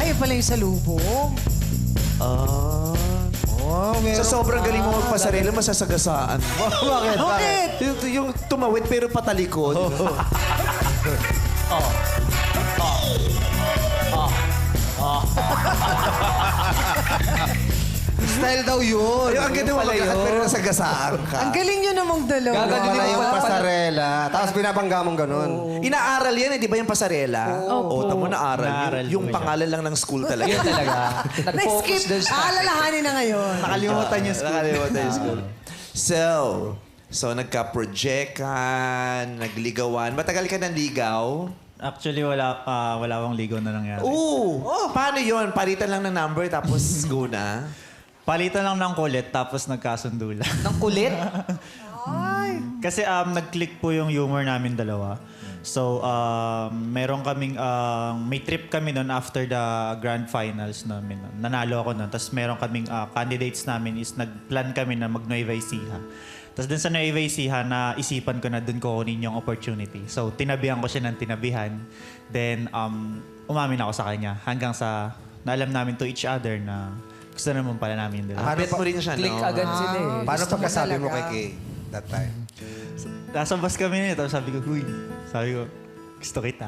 Ay, pala yung salubong. Sa sobrang galing mo magpasarili, masasagasaan. Bakit? Bakit? Yung tumawid pero patalikod. Style daw yun. Yung ang ganda mo magkakat pero nasagasaan ka. Ang galing nyo namang dalawa. Gaganon yung pasarela. Tapos binabangga mong ganun. Inaaral yan eh, di ba yung pasarela? Oo. Tamo naaral. Naaral Yung mo siya. pangalan lang ng school talaga. Yun talaga. Na-skip. Aalalahanin na ngayon. Nakalimutan yung school. Nakalimutan yung school. So nagka-project ka, nagligawan. Matagal ka ng ligaw? Actually, wala akong ligaw na nangyari. Oo. Paano yun? Palitan lang ng number tapos go na? Palitan lang ng kulit, tapos nagkasundo lang. Ng kulit? Kasi nag-click po yung humor namin dalawa. So, meron kaming, may trip kami noon after the grand finals namin. Nanalo ako noon. Tapos meron kaming candidates namin is nag-plan kami na mag-Nueva Ecija. Tapos dun sa Nueva Ecija, naisipan ko na dun ko kunin yung opportunity. So, tinabihan ko siya ng tinabihan. Then, umamin ako sa kanya. Hanggang sa, naalam namin to each other na gusto naman pala namin yung dalawa. Bet mo rin siya, Click no? agad sila eh. Paano Gusto mo pagkasabi mo kay talaga. Kay that time? Nasa bus kami na tapos sabi ko, gusto kita.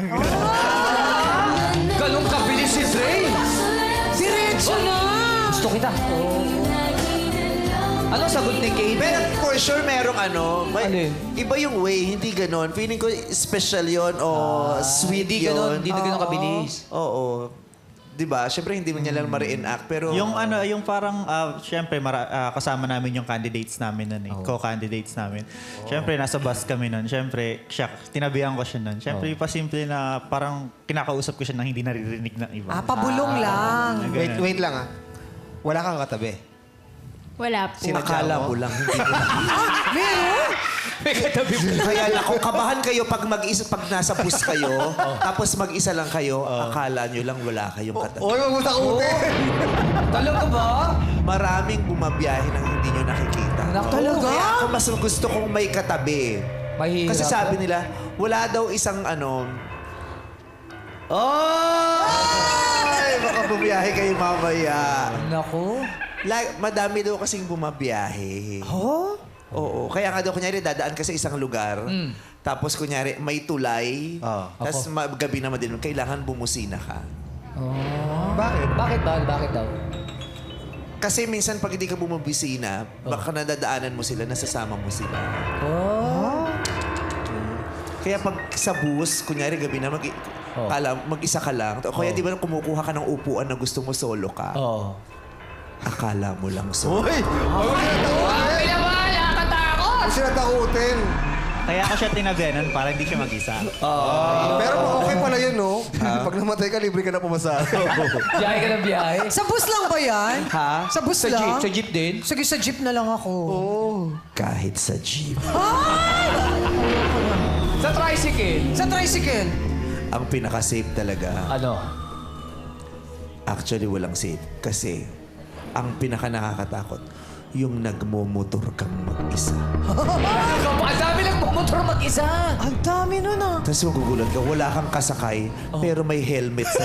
Ganun kabilis si Dre. Diretso na! Gusto kita. Anong sagot ni Kate? Pero for sure, merong Alin? iba yung way, hindi ganon. Feeling ko special yon o sweet Hindi yun. ganun, hindi na ganun kabilis. Oo. Diba? Siyempre, hindi mo niya lang ma-reenact. Pero, yung parang, syempre, kasama namin yung candidates namin nun eh. Co-candidates namin. Syempre, nasa bus kami nun. Syempre, tinabihan ko siya nun. Syempre, pasimple na parang kinakausap ko siya nang hindi naririnig ng iba. Pabulong lang. Wait lang ah. Wala kang katabi. Wala po. sinakala mo lang. Hindi mo. Meron? Kaya lang, kung kabahan kayo pag mag-isa, pag nasa bus kayo, tapos mag-isa lang kayo, akala nyo lang wala kayong katabi. Oy, wag mo takutin! Talaga ba? Maraming bumabiyahe nang hindi nyo nakikita. Talaga? Kaya ako mas gusto kong may katabi. Mahirap. Kasi sabi nila, wala daw isang Ay! Baka bumiyahe kayo mamaya. Naku. Madami daw kasing bumabiyahe. Oo. Kaya nga daw, kunyari, dadaan ka sa isang lugar. Tapos, kunyari, may tulay. Tapos, gabi naman din, kailangan bumusina ka. Bakit? Bakit daw? Kasi minsan, pag hindi ka bumubisina, baka nadadaanan mo sila, nasasama mo sila. Kaya pag sa bus, kunyari, gabi na, mag-isa ka lang. Kaya di ba kumukuha ka ng upuan na gusto mo solo ka? Akala mo lang solo. Uy! Pinawala ka takot! Huwag sila takutin. Kaya ako siya tinabihanan para hindi siya mag-isa. Pero okay pala yun, no? Pag namatay ka, libre ka na pumasara. Biyahe ka ng biyahe? Sa bus lang ba yan? Ha? Sa bus Sa lang? jeep? Sa jeep din? Sige, sa jeep na lang ako. Kahit sa jeep. Sa tricycle? Sa tricycle? Ang pinaka-safe talaga, Ano? actually walang safe. Kasi ang pinaka-nakakatakot, yung nagmomotor kang mag-isa. Ang dami lang motor mag-isa. Ang dami nun ah. Tapos magugulat ka, wala kang kasakay, pero may helmet sa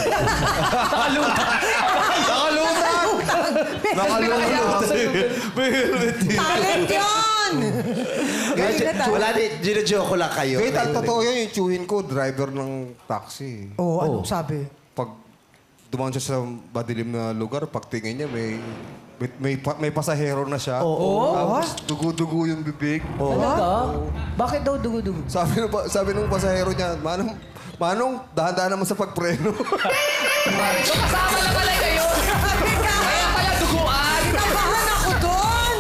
Talent yun! Galing na talent. Wala din, gino-joke lang kayo. Wait, ang totoo yan, yung chewin ko, driver ng taxi. Anong sabi? Pag dumaan siya sa madilim na lugar, pagtingin niya, may pasahero na siya. Tapos dugo-dugo yung bibig. Talaga? Bakit daw dugo-dugo? Sabi nung pasahero niya, Manong, dahan-dahan naman sa pagpreno. So kasama na pala kayo. Kaya pala duguan. Tabahan ako doon!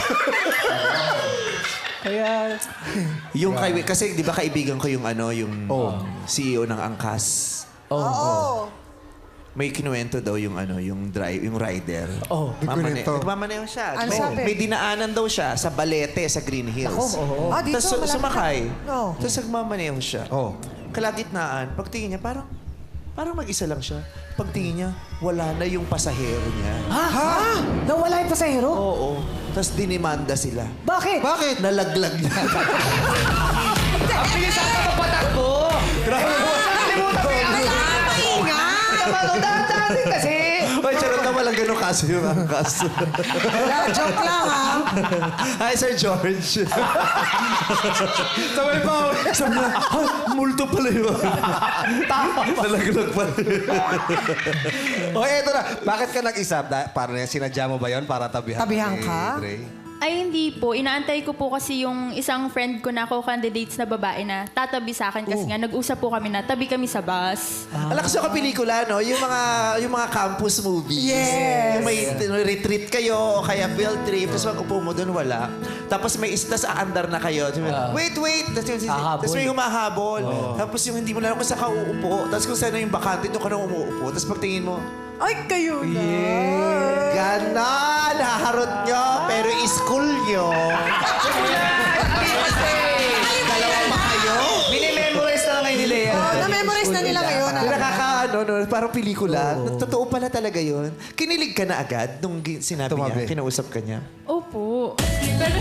Kaya, Yung kasi di ba kaibigan ko yung CEO ng Angkas. Oo. May kinuwento daw yung yung rider. Nagmamaneho siya. Ano may, sabi? may dinaanan daw siya sa Balete, sa Green Hills. Dito, Tapos malapit sumakay. No. Tapos nagmamaneho siya. Kalagitnaan, pagtingin niya, parang mag-isa lang siya. Pagtingin niya, wala na yung pasahero niya. Ha? Nawala yung pasahero? Oo. Tapos dinimanda sila. Bakit? Bakit? Nalaglag na. Ang bilis ata magpatakbo. Maingay! natin kasi. Ay, charot na walang ganun kaso yung angkas. Wala, joke lang ha. Hi, Sir George. Sabay pa ako. Sabi na, multo pala yun. Nalaglag pala. O, eto na. Bakit ka nag-isa? Parang sinadya mo ba yun para tabihan? Tabihan ni ka? Dre? Ay, hindi po. Inaantay ko po kasi yung isang friend ko na co-candidates na babae na tatabi sa akin kasi nga nag-usap po kami na tabi kami sa bus. Alakas yung pelikula, no? Yung mga campus movies. Yes. Yung may retreat kayo o kaya field trip, tapos mag-upo mo doon, wala. Tapos may istas aandar na kayo. Wait! Tapos may humahabol. Tapos yung hindi mo alam kung saan ka uupo. Tapos kung saan yung bakante, doon ka na umuupo. Tapos pagtingin mo, Ay, kayo na. ganon! Haharot nyo, pero school nyo. Dalawa pa kayo? Minimemorize na lang kayo nila yan. Oh, na-memorize na nila ngayon. Nakakaano, no? Parang pelikula. Totoo pala talaga yun. Kinilig ka na agad nung sinabi Tumabi. niya, kinausap ka niya. Opo. Pero,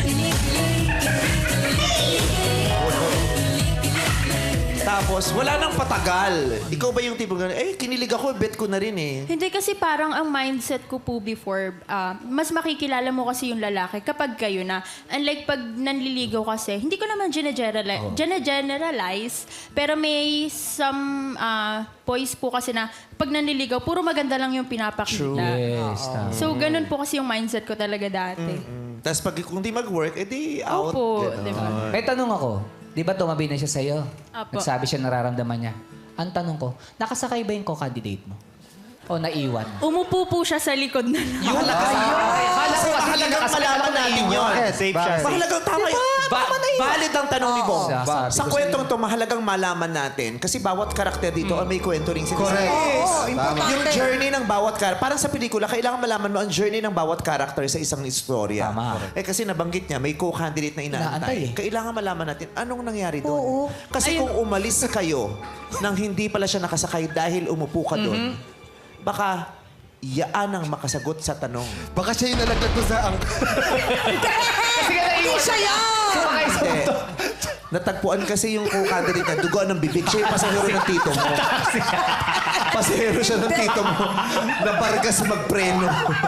Tapos, wala nang patagal. Ikaw ba yung tipong gano'n, kinilig ako, bet ko na rin eh. hindi kasi parang ang mindset ko po before, mas makikilala mo kasi yung lalaki kapag kayo na. Unlike pag nanliligaw kasi, hindi ko naman generalize, pero may some boys po kasi na pag nanliligaw, puro maganda lang yung pinapakita. Yes, tama. So, ganun po kasi yung mindset ko talaga dati. Tapos pag kung di mag-work, edi out. Opo, Ganon. di ba? May tanong ako. Di ba tumabi na siya sa'yo? Apo. Nagsabi siya nararamdaman niya. Ang tanong ko, nakasakay ba yung co-candidate mo? O naiwan? Umupo po siya sa likod na lang. Mahalaga mahalagang malaman natin yun. Safe siya. Mahalagang tama yun. Valid ang tanong ni Bong. Sabi Sa ko kwentong to, mahalagang malaman natin. Kasi bawat karakter dito ay may kwento rin sila. Correct. Oo, Yung importante. journey ng bawat karakter. Parang sa pelikula, kailangan malaman mo ang journey ng bawat karakter sa isang istorya. Tama. Kasi nabanggit niya, may co-candidate na Inaantay inaantay. eh. Kailangan malaman natin anong nangyari doon. Oo. Kasi kung umalis kayo nang hindi pala siya nakasakay dahil umupo ka doon, baka yaan ang makasagot sa tanong. Baka siya yung nalaglag ko sa Kasi ka Hindi siya yan! Sumakay sa Hindi. Natagpuan kasi yung co-candidate na dugo ng bibig. Siya yung pasahero ng tito mo. Pasahero siya ng tito mo. Nabargas magpreno.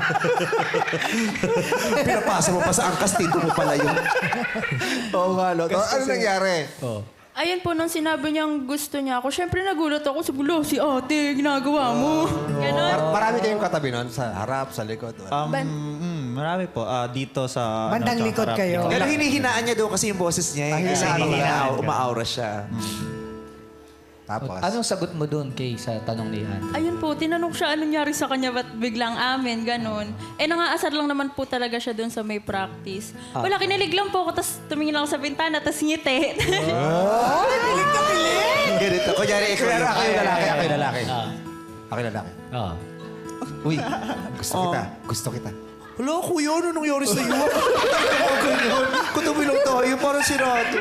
Pinapasa mo pa sa angkas, tito mo pala yun. Oo nga, no? Ano nangyari? Ayun po, nung sinabi niyang gusto niya ako, syempre nagulat ako. Sabi, si ate, ginagawa mo. Ganon. Marami kayong katabi nun? Sa harap, sa likod? Marami po. Dito sa... Bandang sa likod harap. kayo. Pero hinihinaan niya daw kasi yung boses niya. Kasi umaaura siya. Tapos? Anong sagot mo doon, Kay, sa tanong ni Ann? Ayun po, tinanong siya anong nangyari sa kanya, ba't biglang amin, ganon. Nangaasar lang naman po talaga siya doon sa may practice. Wala, kinilig lang po ako, tapos tumingin lang ako sa bintana, tapos ngiti. Oh, pilig na pilig! Ganito. Kunyari, ikaw Pero yung... ako yung lalaki, ako yung lalaki. Ako yung lalaki. Oo. Uy, gusto kita. Gusto kita. Hala, kuya, ano nangyari sa iyo? Ganyan. Kung lang tayo, parang sirato.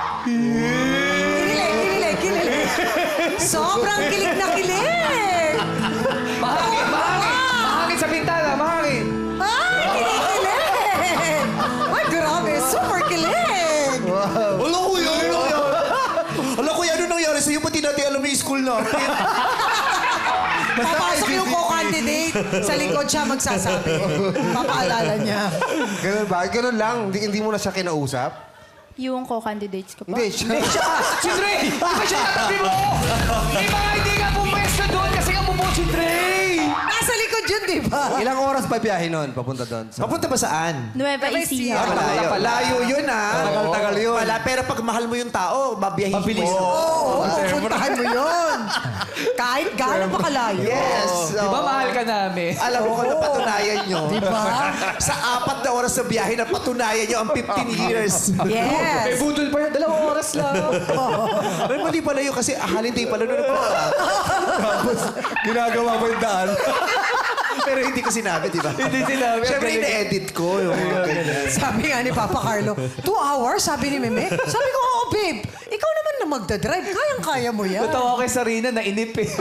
Kinilig. Sobrang kilig na kilig! Mahangin! Mahangin sa bintana! Mahangin! Ay, kilig! Ay, grabe. Super kilig! Hala, kuya, ano nangyari? Hala, kuya, ano nangyari sa iyo? Pati natin alam yung school natin. Papasok yung co-candidate. Sa likod siya magsasabi. Papaalala niya. Ganun ba? Ganun lang. Hindi mo na siya kinausap? Yung co-candidates ko po. Hindi, siya. Si Dre! Di ba siya tatabi mo? Di ba hindi ka pumwesto doon kasi ka bumuo si Dre? Nasa likod yun, di ba? Ilang oras pa biyahe nun? Papunta doon. Papunta ba saan? Nueva Ecija. Malayo. Layo yun, ah. Tagal-tagal yun. Pero pag mahal mo yung tao, babiyahin Mabilis. mo. Oo, pupuntahan mo yun. Kahit gaano pa kalayo. Yes. Di ba mahal ka namin? Alam mo kung napatunayan nyo. Diba? Sa 4 na oras sa biyahe, napatunayan nyo ang 15 years. May Yes. budol pa yun. 2 oras lang. Ay, mali pala yun kasi holiday pala nun. Tapos, ginagawa mo yung daan. Pero hindi ko sinabi, di ba? Hindi sinabi. Siyempre, ina-edit ko. Yung mga ganyan. Sabi nga ni Papa Carlo, 2 hours, sabi ni Meme. Sabi ko, oo, babe. Ikaw naman na magdadrive. Kayang-kaya mo yan. Natawa kay Sarina na inip eh.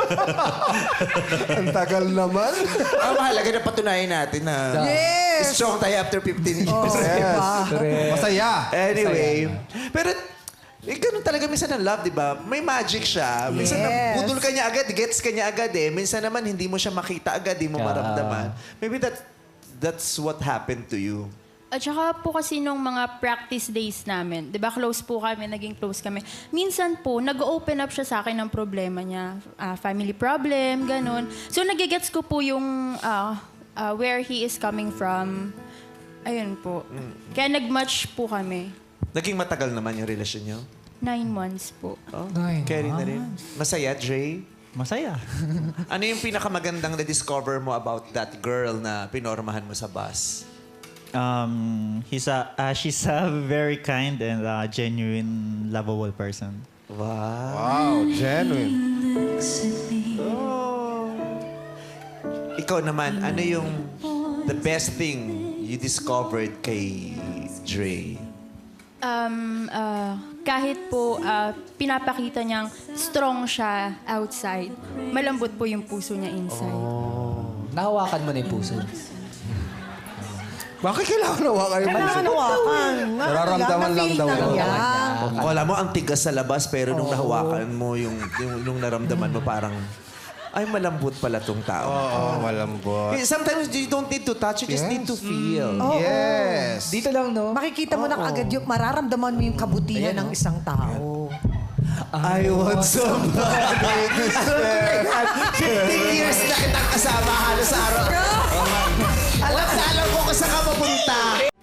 Ang tagal naman. Ang mahalaga na patunayan natin na Yes. strong tayo after 15 years. Oh, diba? Masaya. Anyway, pero Eh, ganun talaga minsan ang love, di ba? May magic siya. Minsan Yes. budol ka niya agad, gets ka niya agad eh. Minsan naman hindi mo siya makita agad, hindi mo maramdaman. Maybe that's what happened to you. At saka po kasi nung mga practice days namin, di ba close po kami, naging close kami. Minsan po, nag-open up siya sa akin ng problema niya. Family problem, ganun. So nagigets ko po yung where he is coming from. Ayun po. Kaya nag-match po kami. Naging matagal naman yung relasyon niyo? 9 months po. Oh, carry na rin. Masaya, Dre? Masaya. Ano yung pinakamagandang na-discover mo about that girl na pinormahan mo sa bus? She's a very kind and genuine, lovable person. Wow. Wow, genuine. Ikaw naman, ano yung the best thing you discovered kay Dre? Kahit po pinapakita niyang strong siya outside, malambot po yung puso niya inside. Nahawakan mo na yung puso. Bakit kailangan nawa kayo? Kailangan hawakan. Nararamdaman lang daw. Wala mo ang tigas sa labas pero nung nahawakan mo yung nung naramdaman mo parang ay malambot pala tong tao. Oo, malambot. Eh, sometimes you don't need to touch, you just need to feel. Yes. Dito lang, no? Makikita mo na agad yung mararamdaman mo yung kabutihan ng isang tao. I want somebody to spare. 15 years na kitang kasama halos araw. Alam ko kung saan ka mapunta.